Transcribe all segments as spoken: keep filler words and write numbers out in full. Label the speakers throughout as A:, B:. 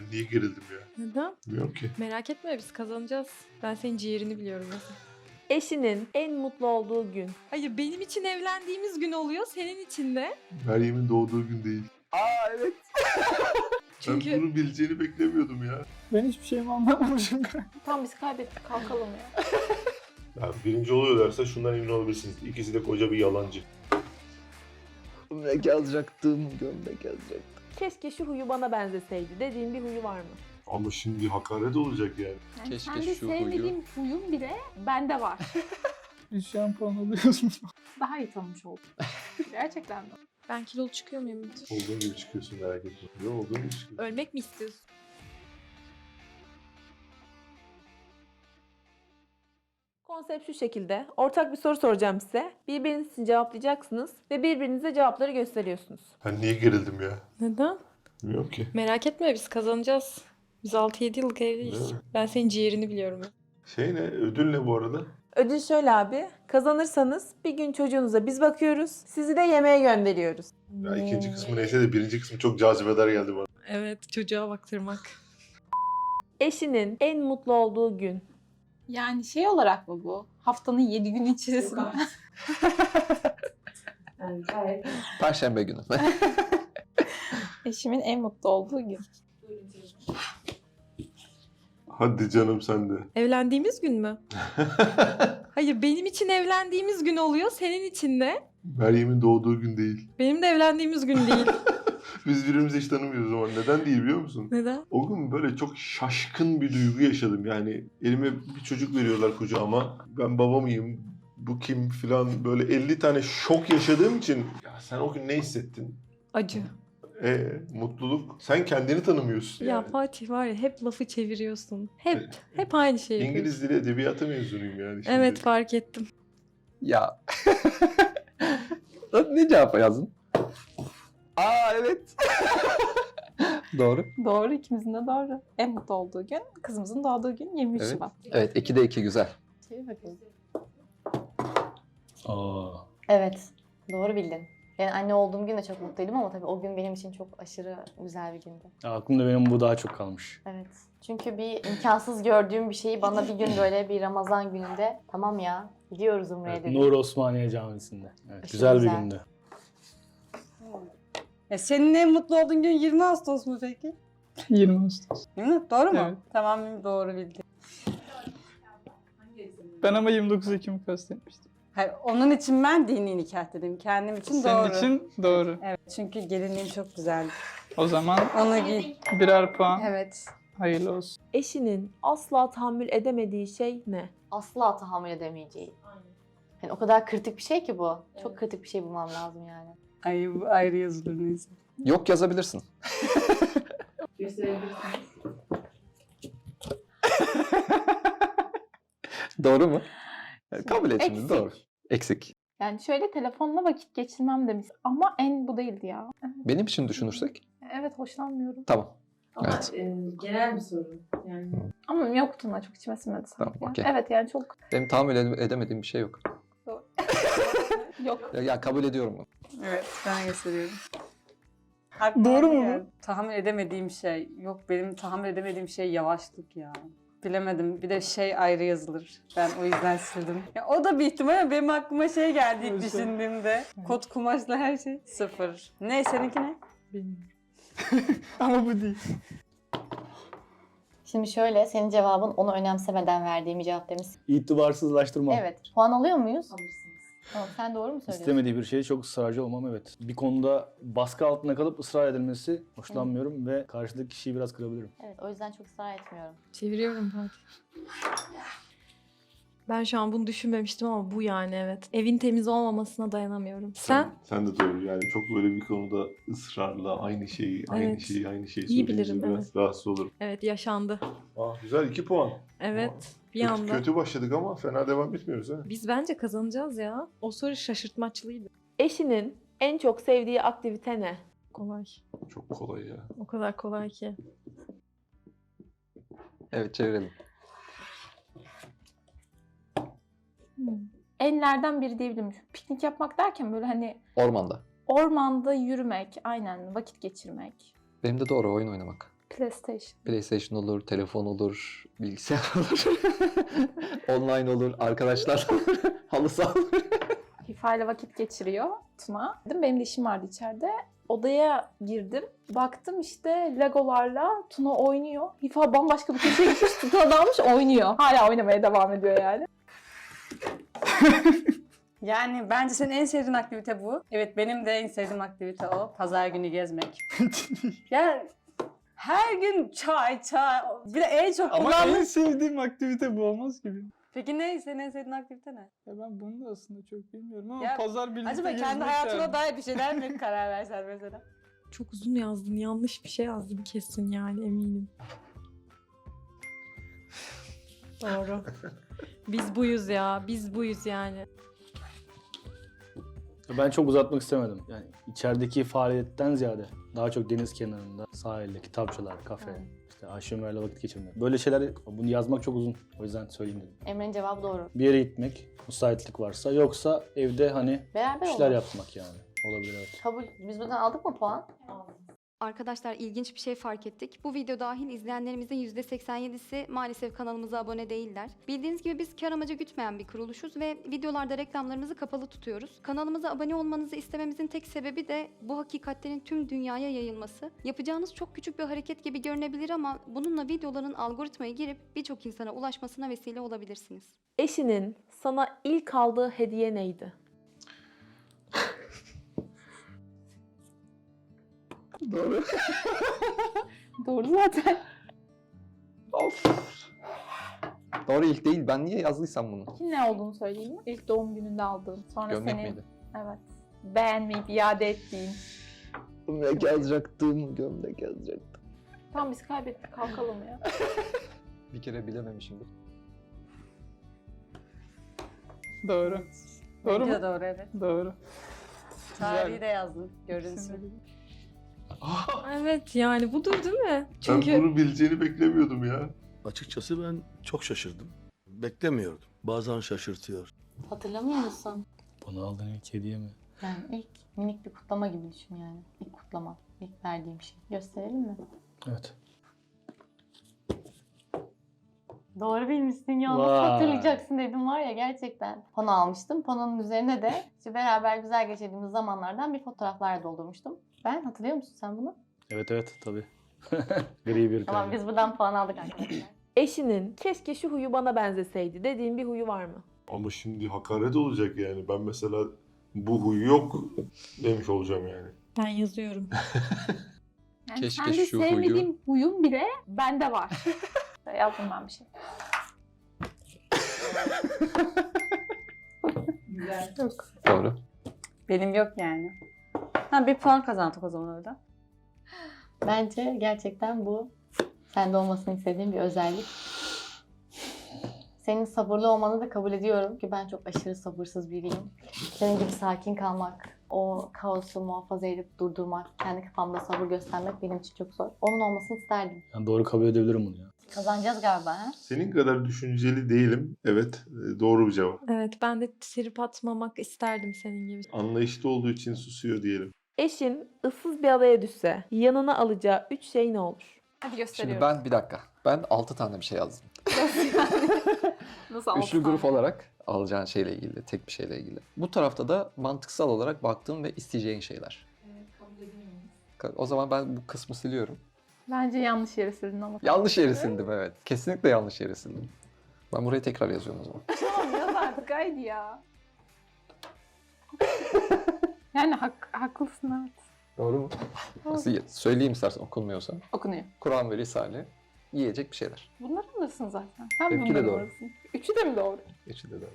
A: niye gerildim ya?
B: Neden?
A: Bilmiyorum ki.
B: Merak etme, biz kazanacağız. Ben senin ciğerini biliyorum mesela.
C: Eşinin en mutlu olduğu gün.
B: Hayır, benim için evlendiğimiz gün oluyor, senin için de.
A: Meryem'in doğduğu gün değil.
D: Aa evet.
B: Çünkü-
A: Ben bunu bileceğini beklemiyordum ya.
E: Ben hiçbir şeyimi anlamamışım.
C: Tam biz kaybettik, kalkalım ya.
A: Ya birinci oluyorlarsa şundan emin olabilirsiniz. İkisi de koca bir yalancı.
D: Gömlek yazacaktım, gömlek yazacaktım.
C: Keşke şu huyu bana benzeseydi dediğin bir huyu var mı?
A: Ama şimdi hakaret olacak yani.
F: Yani
D: Keşke
F: kendi
D: şu
F: sevmediğim huyum bile bende var.
E: Bir şampuan alıyorsun.
F: Daha iyi tanımış oldum. Gerçekten mi?
B: Ben kilolu çıkıyor muyum?
A: Olduğun gibi çıkıyorsun, merak etme. Ne olduğun gibi çıkıyorsun.
B: Ölmek mi istiyorsun?
C: Konsept şu şekilde. Ortak bir soru soracağım size. Birbiriniz için cevaplayacaksınız ve birbirinize cevapları gösteriyorsunuz.
A: Ben niye gerildim ya?
B: Neden?
A: Bilmiyorum ki.
B: Merak etme, biz kazanacağız. Biz altı yedi yıllık evliyiz.
A: Değil mi?
B: Ben senin ciğerini biliyorum.
A: Şey ne? Ödül ne bu arada?
C: Ödül şöyle abi. Kazanırsanız bir gün çocuğunuza biz bakıyoruz. Sizi de yemeğe gönderiyoruz.
A: Ya ikinci kısmı neyse de birinci kısmı çok cazibedar geldi bana.
B: Evet, çocuğa baktırmak.
C: Eşinin en mutlu olduğu gün.
F: Yani şey olarak mı bu? Haftanın yedi günü içerisinde.
D: Perşembe günü.
F: Eşimin en mutlu olduğu gün.
A: Hadi canım sen de.
B: Evlendiğimiz gün mü? Hayır, benim için evlendiğimiz gün oluyor, senin için de.
A: Meryem'in doğduğu gün değil.
B: Benim de evlendiğimiz gün değil.
A: Biz birbirimizi hiç tanımıyoruz o zaman. Neden değil biliyor musun?
B: Neden?
A: O gün böyle çok şaşkın bir duygu yaşadım. Yani elime bir çocuk veriyorlar kucağıma. Ben baba mıyım? Bu kim filan, böyle elli tane şok yaşadığım için. Ya sen o gün ne hissettin?
B: Acı.
A: E mutluluk. Sen kendini tanımıyorsun
B: Ya
A: yani.
B: Fatih var ya, hep lafı çeviriyorsun. Hep, hep aynı şeyi yapıyorsun.
A: İngiliz dili edebiyatı mezunuyum yani şimdi.
B: Evet, fark ettim.
D: Ya. Ne cevap yazdın? Aa evet. Doğru.
F: Doğru, ikimizin de doğru. En mutlu olduğu gün, kızımızın doğduğu gün yirmi üç
D: Evet.
F: Şubat.
D: Evet ikide iki güzel.
F: Çevir bakalım.
E: Aa.
G: Evet, doğru bildin. Yani anne olduğum gün de çok mutluydum ama tabii o gün benim için çok aşırı güzel bir gündü.
E: Aklımda benim bu daha çok kalmış.
G: Evet. Çünkü bir imkansız gördüğüm bir şeyi bana bir gün böyle bir Ramazan gününde tamam ya gidiyoruz Umre'ye
E: Evet,
G: dedim.
E: Nur Osmaniye Camii'sinde. Evet,
G: Aşırı
E: güzel bir
G: güzel.
E: gündü.
H: E senin en mutlu olduğun gün yirmi Ağustos mu peki?
E: yirmi Ağustos.
H: Değil mi? Doğru mu?
E: Evet.
H: Tamam, doğru bildim.
E: Ben ama yirmi dokuz Ekim'i kastetmiştim.
H: Hayır, onun için ben dini nikah dedim. Kendim için
E: Senin
H: doğru.
E: için doğru.
H: Evet, çünkü gelinliğim çok güzeldi.
E: O zaman
H: Onu giy.
E: birer puan.
H: Evet.
E: Hayırlı olsun.
C: Eşinin asla tahammül edemediği şey ne?
G: Asla tahammül edemeyeceği. Yani o kadar kritik bir şey ki bu. Çok kritik bir şey bulmam lazım yani.
H: Ay, bu ayrı yazılır neyse.
D: Yok yazabilirsin. Doğru mu? Kabul et şimdi
F: Eksik.
D: doğru. Eksik.
F: Yani şöyle telefonla vakit geçirmem demiş. Ama en bu değildi ya.
D: Benim için düşünürsek
F: Evet, hoşlanmıyorum.
D: tamam.
I: Ama
D: Evet.
I: e, genel bir soru. Yani
F: Ama yoktu da çok içime sinmedi sanki.
D: Tamam,
F: ya.
D: okey.
F: Evet yani çok
D: Benim tahammül ede- edemediğim bir şey yok.
F: yok.
D: Ya, ya kabul ediyorum bunu.
H: Evet, ben gösteriyorum. Haklı
E: Doğru mu bu?
H: yani. Tahammül edemediğim şey. Yok, benim tahammül edemediğim şey yavaşlık ya. Bilemedim. Bir de şey ayrı yazılır. Ben o yüzden sildim. Ya o da bir ihtimal ama benim aklıma şey geldi ilk
E: Nasıl?
H: düşündüğümde. Kot kumaşla her şey sıfır. Ne seninki ne?
E: Bilmiyorum. Ama bu değil.
G: Şimdi şöyle senin cevabın onu önemsemeden verdiğim bir cevap demiş.
J: İtibarsızlaştırmam.
G: Evet. Puan alıyor muyuz?
I: alırsınız.
G: Tamam, sen doğru mu söylüyorsun?
J: İstemediği bir şeye çok ısrarcı olmam evet. Bir konuda baskı altında kalıp ısrar edilmesi hoşlanmıyorum ve karşıdaki kişiyi biraz kırabilirim.
G: Evet, o yüzden çok ısrar etmiyorum.
B: Çeviriyorum Fatih. Ben şu an bunu düşünmemiştim ama bu yani, evet. Evin temiz olmamasına dayanamıyorum. Sen?
A: Sen de doğru. Yani çok böyle bir konuda ısrarla aynı şeyi, aynı
B: Evet.
A: şeyi, aynı şeyi
B: İyi
A: söyleyince
B: bilirim,
A: biraz
B: evet.
A: rahatsız olurum.
B: Evet, yaşandı.
A: Aa, güzel iki puan.
B: Evet, bir
A: Kötü,
B: anda.
A: kötü başladık ama fena devam etmiyoruz ha.
B: Biz bence kazanacağız ya. O soru şaşırtmaçlıydı.
C: Eşinin en çok sevdiği aktivite ne?
B: Kolay.
A: Çok kolay ya.
B: O kadar kolay ki.
D: Evet çevirelim.
F: Enlerden biri diyebilirim. Piknik yapmak derken böyle hani
D: Ormanda.
F: ormanda yürümek, aynen vakit geçirmek.
D: Benim de doğru oyun oynamak.
F: PlayStation.
D: PlayStation olur, telefon olur, bilgisayar olur. Online olur, arkadaşlar olur, halı saha olur.
F: FIFA ile vakit geçiriyor Tuna. Dedim, benim de işim vardı içeride. Odaya girdim. Baktım işte Legolarla Tuna oynuyor. FIFA bambaşka bir köşeye gitmiş. Tuna dalmış oynuyor. Hala oynamaya devam ediyor yani.
H: Yani bence senin en sevdiğin aktivite bu. Evet, benim de en sevdiğim aktivite o. Pazar günü gezmek. Yani her gün çay çay. Bir de en çok
E: Ama
H: kullandığım...
E: en sevdiğim aktivite bu olmaz gibi.
H: Peki ne? Senin en sevdiğin aktivite ne?
E: Ya ben bunu da aslında çok bilmiyorum ama
H: Ya,
E: pazar birlikte
H: Acaba kendi
E: gezmek
H: hayatına
E: derdim.
H: dair bir şeyler mi karar versen mesela?
B: Çok uzun yazdın. Yanlış bir şey yazdım kesin yani eminim. Doğru. Biz buyuz ya. Biz buyuz yani.
J: Ben çok uzatmak istemedim. Yani içerideki faaliyetten ziyade daha çok deniz kenarında, sahilde, kitapçılar, kafe, işte Ayşe Ömer'le vakit geçirmek. Böyle şeyler, bunu yazmak çok uzun. O yüzden söyleyeyim dedim.
G: Emre'nin cevabı doğru.
J: Bir yere gitmek, müsaitlik varsa. Yoksa evde hani
G: Beraber
J: işler
G: olur.
J: yapmak yani. Olabilir, evet.
G: Kabul. Biz buradan aldık mı puan?
K: Arkadaşlar ilginç bir şey fark ettik. Bu video dahil izleyenlerimizin yüzde seksen yedisi maalesef kanalımıza abone değiller. Bildiğiniz gibi biz kar amacı gütmeyen bir kuruluşuz ve videolarda reklamlarımızı kapalı tutuyoruz. Kanalımıza abone olmanızı istememizin tek sebebi de bu hakikatlerin tüm dünyaya yayılması. Yapacağınız çok küçük bir hareket gibi görünebilir ama bununla videoların algoritmaya girip birçok insana ulaşmasına vesile olabilirsiniz.
C: Eşinin sana ilk aldığı hediye neydi?
D: Doğru.
F: Doğru zaten.
D: Doğru, ilk değil. Ben niye yazdıysam bunu?
F: Kim ne olduğunu söyleyeyim mi? İlk doğum gününde aldığım. Sonra
D: Gömlek
F: senin
D: miydi?
F: evet beğenmeyip iade ettiğin.
D: Gömlek yazacaktım, gömlek yazacaktım.
F: Tamam, biz kaybettik, kalkalım ya.
D: Bir kere bilememişimdir.
E: Doğru. Doğru
H: Bence
E: mu?
H: de doğru, evet.
E: Doğru.
H: Tarihi de yazdın. Görünsün.
B: Evet yani budur değil mi?
A: Ben
B: Çünkü
A: bunu bileceğini beklemiyordum ya.
L: Açıkçası ben çok şaşırdım. Beklemiyordum. Bazen şaşırtıyor.
G: Hatırlamıyor musun?
J: Bana aldığın ilk hediye mi?
G: Yani ilk minik bir kutlama gibi düşün yani. İlk kutlama. İlk verdiğim şey. Gösterelim mi?
J: Evet.
G: Doğru bilmişsin ya. Nasıl
J: Vay.
G: hatırlayacaksın dedim var ya gerçekten. Pano almıştım. Pano'nun üzerine de işte beraber güzel geçirdiğimiz zamanlardan bir fotoğraflar doldurmuştum. Ben hatırlıyor musun sen bunu?
J: Evet evet tabii. Gri bir
G: Tamam,
J: kalem.
G: biz buradan puan aldık arkadaşlar.
C: Eşinin keşke şu huyu bana benzeseydi dediğin bir huyu var mı?
A: Ama şimdi hakaret olacak yani. Ben mesela bu huyu yok demiş olacağım yani.
B: ben yazıyorum.
F: Yani
D: Keşke
F: kendi
D: şu huyu-
F: sevmediğim huyum bile bende var. Yazdım ben bir şey.
I: Güzel.
F: Yok.
D: Doğru.
H: Benim yok yani. Ha, bir puan kazandık o zaman orada.
G: Bence gerçekten bu sende olmasını istediğim bir özellik. Senin sabırlı olmanı da kabul ediyorum ki ben çok aşırı sabırsız biriyim. Senin gibi sakin kalmak, o kaosu muhafaza edip durdurmak, kendi kafamda sabır göstermek benim için çok zor. Onun olmasını isterdim.
J: Yani doğru kabul edebilirim bunu ya.
G: Kazanacağız galiba ha?
A: Senin kadar düşünceli değilim. Evet, e, doğru bir cevap.
B: Evet ben de trip atmamak isterdim senin gibi.
A: Anlayışlı olduğu için susuyor diyelim.
C: Eşin ıssız bir adaya düşse yanına alacağı üç şey ne olur?
F: Hadi
D: Şimdi
F: gösteriyorum.
D: ben bir dakika. Ben altı tane bir şey yazdım.
F: Nasıl altı
D: Üçlü grup
F: tane?
D: olarak alacağın şeyle ilgili, tek bir şeyle ilgili. Bu tarafta da mantıksal olarak baktığım ve isteyeceğin şeyler. Ka- O zaman ben bu kısmı siliyorum.
F: Bence yanlış yere sildin ama.
D: Yanlış yere sildim, evet. Kesinlikle yanlış yere sildim. Ben buraya tekrar yazıyorum o zaman.
F: Tamam, yaz artık haydi ya. Yani hak, haklısın, evet.
D: Doğru mu? Nasıl ye- söyleyeyim istersen okunmuyorsa.
F: Okunuyor.
D: Kur'an ve Risale. Yiyecek bir şeyler.
F: Bunları alırsın zaten. Sen
D: Benimki de
F: bunları
D: doğru.
F: alırsın. Üçü de mi doğru?
D: Üçü de doğru.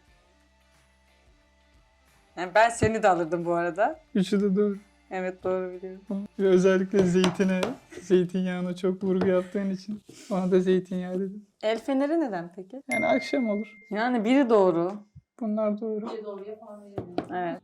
H: Yani ben seni de alırdım bu arada.
E: Üçü de doğru.
H: Evet, doğru biliyorum.
E: Ve özellikle zeytine, zeytinyağına çok vurgu yaptığın için ona da zeytinyağı dedim.
H: El feneri neden peki?
E: Yani akşam olur.
H: Yani biri doğru.
E: Bunlar doğru.
I: Bir doğru yapan verelim.
H: Evet.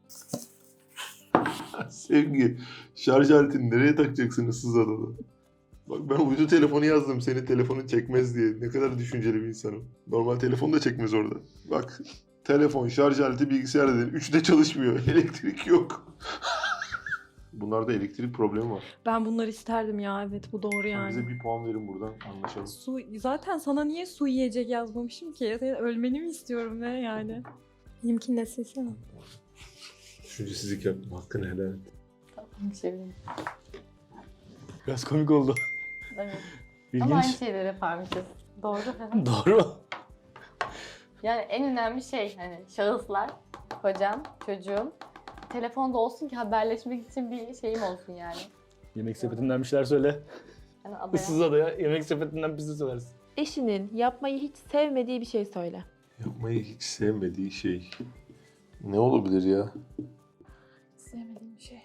A: Sevgi, şarj aletini nereye takacaksın ıssız adada? Bak ben uydu telefonu yazdım senin telefonun çekmez diye. Ne kadar düşünceli bir insanım. Normal telefon da çekmez orada. Bak telefon, şarj aleti, bilgisayar dedin. Üçü de çalışmıyor. Elektrik yok. Bunlarda elektrik problemi var.
B: Ben bunları isterdim ya, evet bu doğru
A: Bize
B: yani.
A: bir puan verin buradan, anlaşalım.
B: Su, zaten sana niye su yiyecek yazmamışım ki? Senin ölmeni mi istiyorum ne yani? Benimkini de silsene.
A: Düşüncesizlik yaptım, hakkını helal et.
G: Bir şey bilmiyorum.
J: Biraz komik oldu.
G: Evet. Ama aynı
J: İlginç.
G: şeyleri yaparmışız. Doğru.
J: Doğru mu?
G: Yani en önemli şey hani şahıslar, kocam, çocuğum. Telefonda olsun ki haberleşmek için bir şeyim olsun yani.
J: Yemek sepetinden bir şeyler söyle.
G: Yani adaya.
J: Issız adaya yemek sepetinden bizi söylersin.
C: Eşinin yapmayı hiç sevmediği bir şey söyle.
A: Yapmayı hiç sevmediği şey. Ne olabilir ya?
F: Sevmediğim bir şey.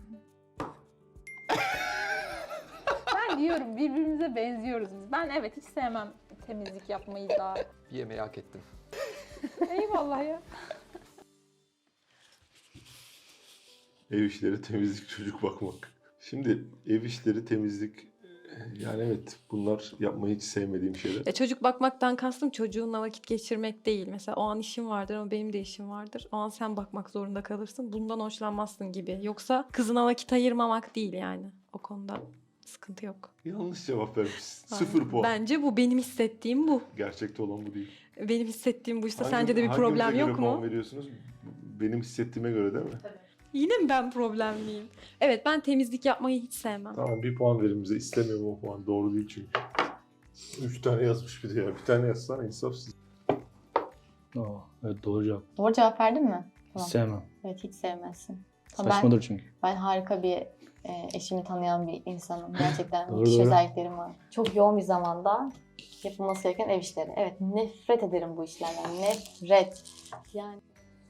F: Ben diyorum birbirimize benziyoruz biz. Ben evet hiç sevmem temizlik yapmayı da.
D: Bir yemeği hak ettin.
F: Eyvallah ya.
A: Ev işleri, temizlik, çocuk bakmak. Şimdi ev işleri, temizlik, yani evet bunlar yapmayı hiç sevmediğim şeyler.
B: Ya çocuk bakmaktan kastım çocuğunla vakit geçirmek değil. Mesela o an işim vardır ama benim de işim vardır. O an sen bakmak zorunda kalırsın. Bundan hoşlanmazsın gibi. Yoksa kızına vakit ayırmamak değil yani. O konuda sıkıntı yok.
A: Yanlış cevap vermişsin. Sıfır puan.
B: Bence bu. Benim hissettiğim bu.
A: Gerçekte olan bu değil.
B: Benim hissettiğim bu işte.
A: Hangi-
B: Sence de bir
A: hangimize
B: problem
A: göre
B: yok
A: puan
B: mu?
A: veriyorsunuz? Benim hissettiğime göre değil mi?
B: Yine mi ben problemliyim? Evet, ben temizlik yapmayı hiç sevmem.
A: Tamam, bir puan verin bize. İstemiyorum o puan. Doğru değil çünkü. Üç tane yazmış bir de ya. Bir tane yazsana, insafsız.
J: Oo, evet doğru cevap.
G: Doğru cevap verdin mi?
J: Hiç
G: Tamam.
J: sevmem.
G: Evet hiç sevmezsin. Ama ben,
J: Saçmadır çünkü.
G: ben harika bir e, eşimi tanıyan bir insanım. Gerçekten
J: Doğru,
G: müthiş
J: doğru.
G: özelliklerim var. Çok yoğun bir zamanda yapılması gereken ev işleri. Evet nefret ederim bu işlerden. Nefret. Yani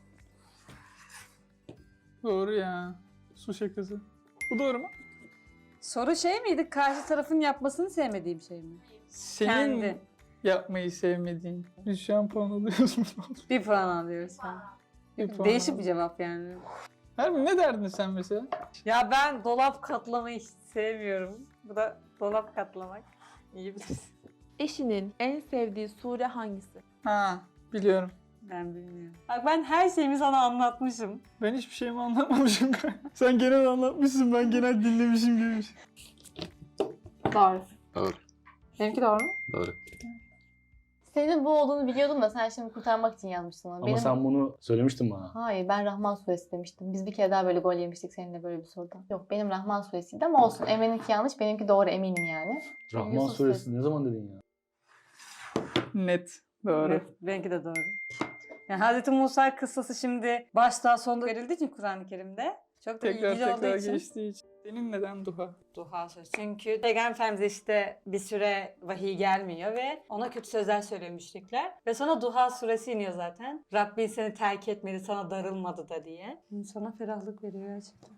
E: Doğru ya. Su şakası. Bu doğru mu?
H: Soru şey miydi? Karşı tarafın yapmasını sevmediğim şey mi?
E: Senin
H: Kendi.
E: yapmayı sevmediğin. Biz şu an puan alıyoruz mu?
H: Bir puan alıyoruz sen.
E: Bir puan
H: Değişik bir
E: alıyoruz.
H: cevap yani.
E: Harbi ne derdin sen mesela?
H: Ya ben dolap katlamayı hiç sevmiyorum. Bu da dolap katlamak. İyi bilirsin.
C: Eşinin en sevdiği sure hangisi?
E: Ha, biliyorum.
H: Ben bilmiyorum. Bak ben her şeyimi sana anlatmışım.
E: Ben hiçbir şeyimi anlatmamışım. Sen genel anlatmışsın, ben genel dinlemişim gibi.
G: doğru.
D: Doğru.
F: Benimki doğru mu?
D: Doğru.
G: Senin bu olduğunu biliyordum da sen şimdi kurtarmak için yazmıştın onu.
J: Ama
G: Benim...
J: sen bunu söylemiştin bana.
G: Hayır ben Rahman suresi demiştim. Biz bir kere daha böyle gol yemiştik seninle böyle bir soruda. Yok benim Rahman suresiydi ama olsun. Emre'ninki yanlış benimki doğru eminim yani.
J: Rahman
G: Yusuf
J: suresi ne zaman dedin ya?
E: Net. Doğru.
H: Evet, benimki de doğru. Yani Hazreti Musa kıssası şimdi başta sonda verildiği için Kur'an-ı Kerim'de çok da
E: Tekrar
H: ilgili olduğu
E: tekrar
H: için.
E: geçtiği için. Senin neden duha?
H: Duha sözü. Çünkü Peygamber Efendimiz'e işte bir süre vahiy gelmiyor ve ona kötü sözler söylüyor müşrikler. Ve sonra Duha suresi iniyor zaten. Rabbin seni terk etmedi, sana darılmadı da diye. İnsana ferahlık veriyor gerçekten.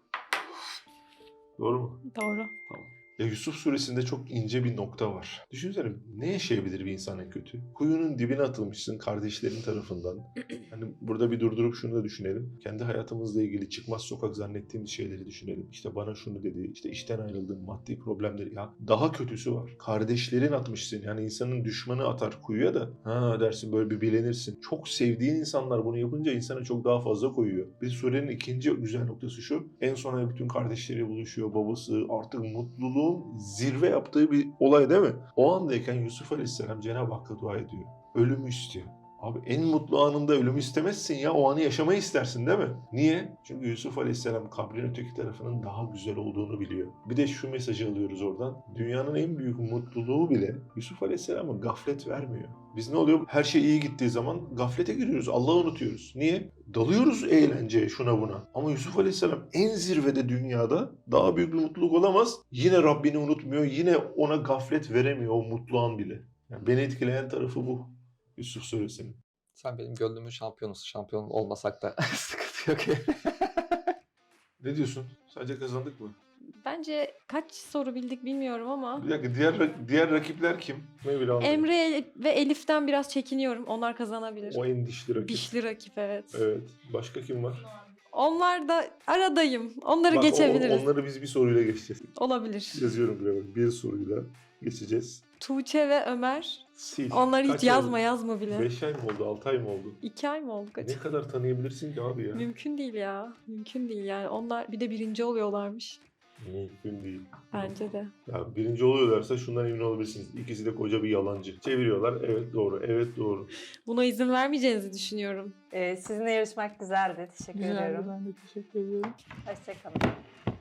A: Doğru mu?
B: Doğru.
A: Tamam. Ya Yusuf suresinde çok ince bir nokta var. Düşünsene ne yaşayabilir bir insan en kötü? Kuyunun dibine atılmışsın kardeşlerin tarafından. Hani burada bir durdurup şunu da düşünelim. Kendi hayatımızla ilgili çıkmaz sokak zannettiğimiz şeyleri düşünelim. İşte bana şunu dedi, işte işten ayrıldım, maddi problemleri. Ya daha kötüsü var. Kardeşlerin atmışsın. Yani insanın düşmanı atar kuyuya da. Ha dersin böyle bir bilenirsin. Çok sevdiğin insanlar bunu yapınca insana çok daha fazla koyuyor. Bir surenin ikinci güzel noktası şu. En sona bütün kardeşleri buluşuyor. Babası artık mutluluğun zirve yaptığı bir olay değil mi? O andayken Yusuf Aleyhisselam Cenab-ı Hakk'a dua ediyor. Ölümü istiyor. Abi en mutlu anında ölümü istemezsin ya. O anı yaşamayı istersin değil mi? Niye? Çünkü Yusuf Aleyhisselam kabrin öteki tarafının daha güzel olduğunu biliyor. Bir de şu mesajı alıyoruz oradan. Dünyanın en büyük mutluluğu bile Yusuf Aleyhisselam'a gaflet vermiyor. Biz ne oluyor? Her şey iyi gittiği zaman gaflete giriyoruz. Allah'ı unutuyoruz. Niye? Dalıyoruz eğlenceye şuna buna. Ama Yusuf Aleyhisselam en zirvede dünyada daha büyük bir mutluluk olamaz. Yine Rabbini unutmuyor. Yine ona gaflet veremiyor o mutlu an bile. Yani beni etkileyen tarafı bu. Yusuf Suresinin.
D: Sen benim gönlümün şampiyonusun. Şampiyon olmasak da sıkıntı yok.
A: Ne diyorsun? Sadece kazandık mı?
B: Bence kaç soru bildik bilmiyorum ama
A: Bir dakika diğer diğer rakipler kim? Ne bile anlamadım.
B: Emre ve Elif'ten biraz çekiniyorum. Onlar kazanabilir.
A: O en dişli rakip.
B: Dişli rakip, evet.
A: Evet. Başka kim var?
B: Onlar da aradayım. Onları
A: Bak,
B: geçebiliriz.
A: o- onları biz bir soruyla geçeceğiz.
B: Olabilir.
A: Yazıyorum buraya bak. Bir soruyla geçeceğiz.
B: Tuğçe ve Ömer.
A: Sil.
B: Onları
A: Kaç
B: hiç
A: ay
B: yazma
A: oldu?
B: yazma bile.
A: Beş ay mı oldu? Altı ay mı oldu?
B: İki ay mı oldu kaç?
A: Ne kadar tanıyabilirsin ki abi ya?
B: Mümkün değil ya. Mümkün değil yani. Onlar bir de birinci oluyorlarmış.
A: Mümkün değil.
B: Bence de.
A: Ya birinci oluyorlarsa şundan emin olabilirsiniz. İkisi de koca bir yalancı. Çeviriyorlar. Evet doğru. Evet doğru.
B: Buna izin vermeyeceğinizi düşünüyorum.
H: Ee, sizinle yarışmak güzeldi. Teşekkür
E: Güzeldi,
H: ediyorum.
E: ben de teşekkür ediyorum.
H: Hoşçakalın.